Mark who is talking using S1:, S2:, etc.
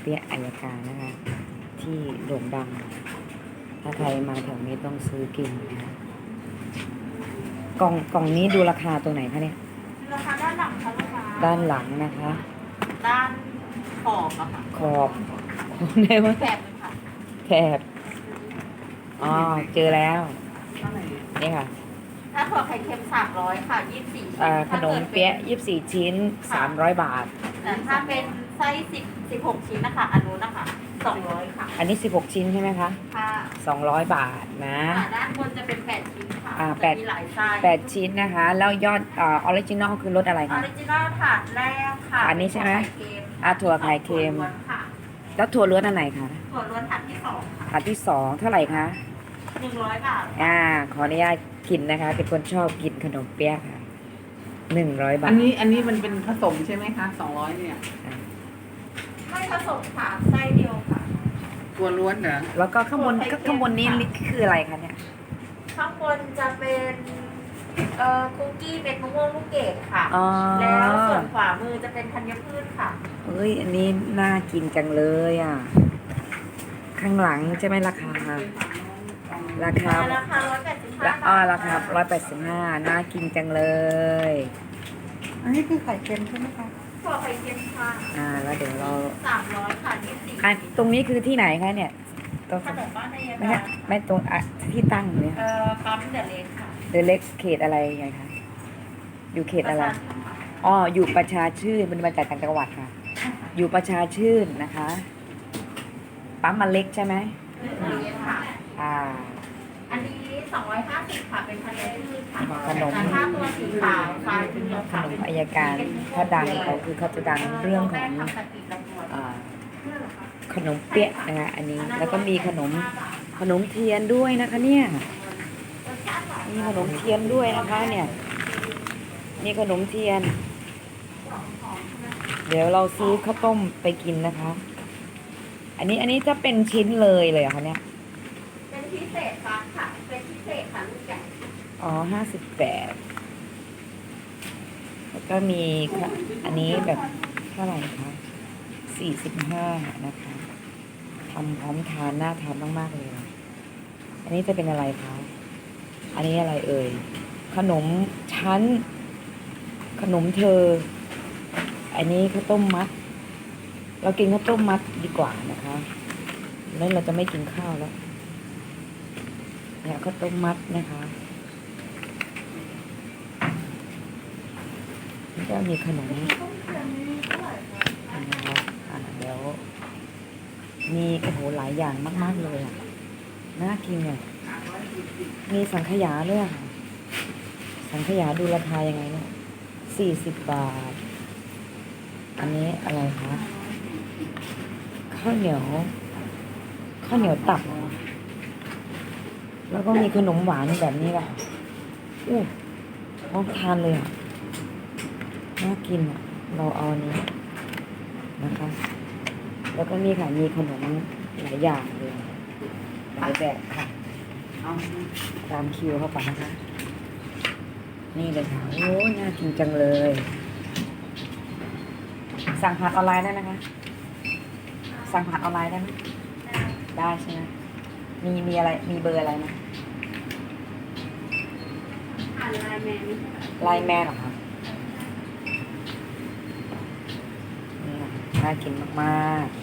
S1: เปี๊ยะอัยการนะคะที่โด่งดังถ้าใครมาแถวนี้ต้องซื้อกินนะคะกล่องนี้ดูราคาตัวไหนคะเนี่ย
S2: ราคาด้านหลังค่ะลูกค้า
S1: ด้านหลังนะคะ
S2: ด้านขอบอะค่ะ
S1: ขอบไหนวะ
S2: แถบเลยค่ะ
S1: แถบอ๋อเจอแล้วนี่ค่ะ
S2: ถ้าถั่วไข่เค็ม300ค่ะ24ชิ้น
S1: ขนมเปี๊ยะ24 ชิ้น300 บาท
S2: แต่ถ้าเป็นไส้16ชิ้นนะคะอันนู้นนะคะ200ค่ะ
S1: อันนี้16 ชิ้นใช่ไหมคะ
S2: ค่ะ
S1: 200 บาทนะ
S2: ด้านบนจะเป็น8ชิ้นค่ะ
S1: จะ
S2: มีหลายไส้
S1: 8ชิ้นนะคะแล้วยอดออริจินอลคือรสอะไร
S2: ออ
S1: คะ
S2: ริจินอลถาดแรกค่ะ
S1: อันนี้ใช่ไหมถั่วไข่เค็ม
S2: ค่ะ
S1: แล้วถั่วล้วนอันไหนคะ
S2: ถั่วล้วนถาดที่2ค่ะ
S1: ถาดที่2เท่าไหร่คะ
S2: 100 บาท
S1: ขออนุญาตกินนะคะเป็นคนชอบกินขนมเปี๊ยะค่ะ100 บาท
S3: อันนี้มันเป็นผสมใช่ไหมคะ200เนี่ย
S2: ไม่ผสมค่ะไส้เดียวค่ะ
S3: ตัวล้วนเหรอ
S1: แล้วก็ข้างบนนี้คืออะไรคะเนี่ย
S2: ข้างบนจะเป็นคุกกี้เม็ดมะม่วงลูกเกดค่ะ
S1: แล้ว
S2: ส่วนขวามือจะเป็นธัญพืชค่ะ
S1: เอ้ยอันนี้น่ากินจังเลยอ่ะข้างหลังใช่ไหมราคา
S2: ราคา185
S1: ราคา185น่ากินจังเลย
S3: อันนี้คือไข่เค็มใช่ไหมคะ
S2: ถั่วไข่เค็มค่ะ
S1: แล้วเดี๋ยวเรา
S2: 300ค่ะ24
S1: ตรงนี้คือที่ไหนคะเนี่ย
S2: ขนมบ้านนาย
S1: ไม่ไม่ตรงที่ตั้งเนี่ย
S2: ปั๊มเดอะเล็กค่ะ
S1: เดอะเล็กเขตอะไรไงคะอยู่เขตอะไรอยู่ประชาชื่นมันมาจากต่างจังหวัดค่ะอยู่ประชาชื่นนะคะปั๊มมาเล็กใช่ไหม
S2: ค่ะอันนี้250ค่ะเป็นธัญพืชค่ะ
S1: ขนม
S2: ถ้าตัวสีขาวไฟเป็น
S1: ขนมอัยการถ้าดังเขาจะดังเรื่องของขนมเปี๊ยะนะคะอันนี้แล้วก็มีขนมเทียนด้วยนะคะเนี่ยมีขนมเทียนด้วยนะคะเนี่ยมีขนมเทียนเดี๋ยวเราซื้อข้าวต้มไปกินนะคะอันนี้จะเป็นชิ้นเลยเหรอคะเนี่ย
S2: เป็นพิเศษค่ะเป็นพิเศษค่ะลูกใหญ่
S1: 58แล้วก็มีอันนี้แบบเท่าไหร่คะ45นะคะทำพร้อมทานน่าทานมากๆเลยอันนี้จะเป็นอะไรคะอันนี้อะไรเอ่ยขนมชั้นขนมเธออันนี้ข้าวต้มมัดเรากินข้าวต้มมัดดีกว่านะคะแล้วเราจะไม่กินข้าวแล้วเนี่ยข้าวต้มมัดนะคะนี่ก็มีขนมนะคะเดี๋ยวมีโอ้โหหลายอย่างมากๆเลยอ่ะน่ากินเนี่ยมีสังขยาด้วยค่ะสังขยาดูราคายังไงเนี่ย40 บาทอันนี้อะไรคะข้าวเหนียวตับแล้วก็มีขนมหวานแบบนี้แหละพร้อมทานเลยอ่ะน่ากินอ่ะเราเอาอันนี้นะคะแล้วก็นี่ค่ะมีขนมหลายอย่างเลยหลายแบบค่ะตามคิวเข้าไปนะคะนี่เลยค่ะโอ้น่ากินจังเลยสั่งผ่านออนไลน์ได้นะคะสั่งผ่านออนไลน์ได้ไหมได้ใช่ไหมมีอะไรมีเบอร์อะไรไหม
S2: ไลน์แมน
S1: เหรอคะนี่น่ากินมากๆ